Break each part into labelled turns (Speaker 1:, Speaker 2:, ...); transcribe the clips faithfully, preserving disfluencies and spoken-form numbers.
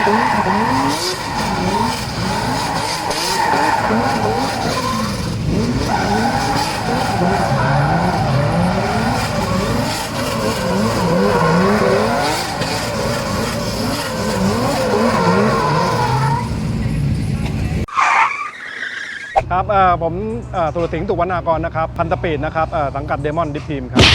Speaker 1: ครับผมสุรสิงห์ตุวรรณากรนะครับพันธปีดนะครับสังกัดเดมอนดิฟทีมครับ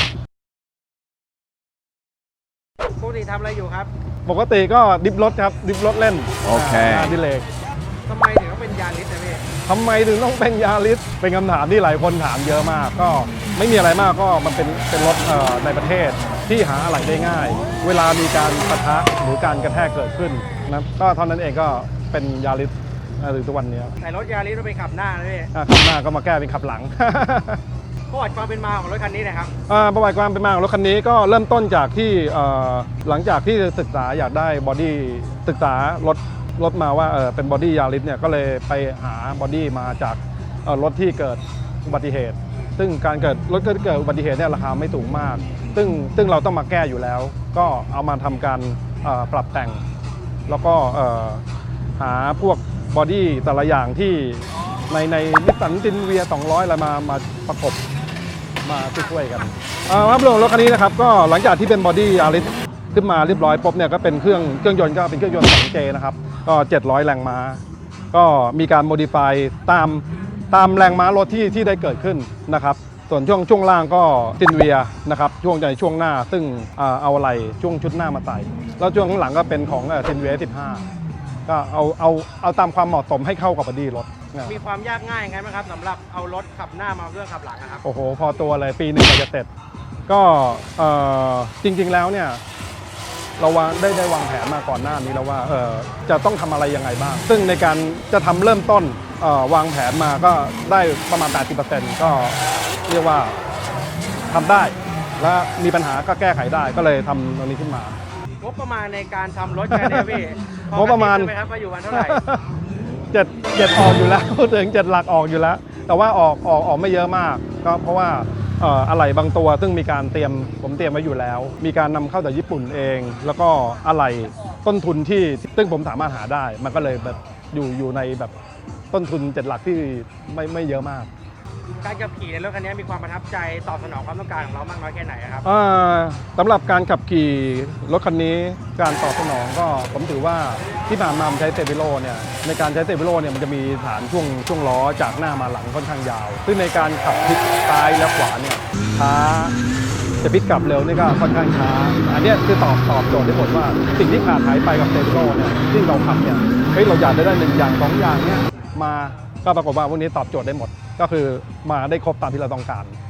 Speaker 2: ปกติทำอะไรอยู่ครับ
Speaker 1: ปกติก็ดิฟรถครับดิฟรถเล่น
Speaker 3: โอเค
Speaker 1: ดิเลก
Speaker 2: ทำไมถึงต้องเป็นยาริสนะพี่
Speaker 1: ทำไมถึงต้องเป็นยาริสเป็นคำถามที่หลายคนถามเยอะมากก็ไม่มีอะไรมากก็มันเป็นเป็นรถในประเทศที่หาอะไหล่ได้ง่ายเวลามีการปะทะหรือการกระแทกเกิดขึ้นนะก็เท่านั้นเองก็เป็นยาริสหรือทุกวันนี้
Speaker 2: แต่รถยาริสเราไปขับหน้านะพี่
Speaker 1: ขับหน้าก็มาแก้เป็นขับหลัง
Speaker 2: ประวัติความเป็นมาของรถคันนี้นะครับ
Speaker 1: ประวัติความเป็นมาของรถคันนี้ก็เริ่มต้นจากที่หลังจากที่ศึกษาอยากได้บอดี้ศึกษารถรถมาว่าเป็นบอดี้ยาริสเนี่ยก็เลยไปหาบอดี้มาจากรถที่เกิดอุบัติเหตุซึ่งการเกิดรถที่เกิดอุบัติเหตุเนี่ยราคาไม่สูงมากซึ่งซึ่งเราต้องมาแก้อยู่แล้วก็เอามาทำการปรับแต่งแล้วก็หาพวกบอดี้แต่ละอย่างที่ในในนิสสันซินเวียสองร้อยอะไรมามาประกบมาช่วยกันภาพรวมรถคันนี้นะครับก็หลังจากที่เป็นบอดี้ยาริสขึ้นมาเรียบร้อยปุ๊บเนี่ยก็เป็นเครื่องเครื่องยนต์ก็เป็นเครื่องยนต์ สองเจ นะครับก็เจ็ดร้อยแรงม้าก็มีการโมดิฟายตามตามแรงม้ารถที่ที่ได้เกิดขึ้นนะครับส่วนช่วงช่วงล่างก็ซินเวียนะครับช่วงในช่วงหน้าซึ่งเอาอะไรช่วงชุดหน้ามาใส่แล้วช่วงข้างหลังก็เป็นของซินเวียสิบห้าก็เอาเอาเอาตามความเหมาะสมให้เข้ากับบอดี้รถ
Speaker 2: มีความยากง่ายยังไงไหมครับสำหรับเอารถขับหน้ามาเครื่องขับหลังนะครับ
Speaker 1: โอ้โหพอตัวเลยปีหนึ่งก็จะเสร็จก็จริงๆแล้วเนี่ยเราวางได้ได้วางแผนมาก่อนหน้านี้แล้วว่าจะต้องทำอะไรยังไงบ้างซึ่งในการจะทำเริ่มต้นวางแผนมาก็ได้ประมาณ แปดสิบเปอร์เซ็นต์ ก็เรียกว่าทำได้และมีปัญหาก็แก้ไขได้ก็เลยทำตรงนี้ขึ้นมาง
Speaker 2: บประมาณในการทำรถแค่นี้พี่
Speaker 1: งบประมาณ
Speaker 2: ไหมครับว่าอยู่วันเท่าไหร่
Speaker 1: เจ็ดเจ็ดออกอยู่แล้วพูดถึงเจ็ดหลักออกอยู่แล้วแต่ว่าออกออกออกไม่เยอะมากก็เพราะว่าอะไหล่บางตัวซึ่งมีการเตรียมผมเตรียมไว้อยู่แล้วมีการนำเข้าจากญี่ปุ่นเองแล้วก็อะไหล่ต้นทุนที่ซึ่งผมสามารถหาได้มันก็เลยแบบอยู่อยู่ในแบบต้นทุนเจ็ดหลักที่ไม่ไม่เยอะมาก
Speaker 2: การขับขี่ในรถคันนี้มีความประทับใจตอบสนองความต้องการของเรามากน้อยแค่ไหนครับ
Speaker 1: สำหรับการขับขี่รถคันนี้การตอบสนองก็ผมถือว่าที่ผ่านมาใช้เซฟิโลเนี่ยในการใช้เซฟิโลเนี่ยมันจะมีฐานช่วงช่วงล้อจากหน้ามาหลังค่อนข้างยาวซึ่งในการขับพลิกซ้ายและขวาเนี่ยช้าจะพลิกกลับเร็วนี่ก็ค่อนข้างช้าอันนี้คือตอบตอบโจทย์ได้หมดว่าสิ่งที่ขาดหายไปกับเซฟิโลเนี่ยที่เราขับเนี่ยเฮ้ยเราอยากได้หนึ่งอย่างสองอย่างเนี่ยมาก็ปรากฏว่าพวกนี้ตอบโจทย์ได้หมดก็คือมาได้ครบตามที่เราต้องการ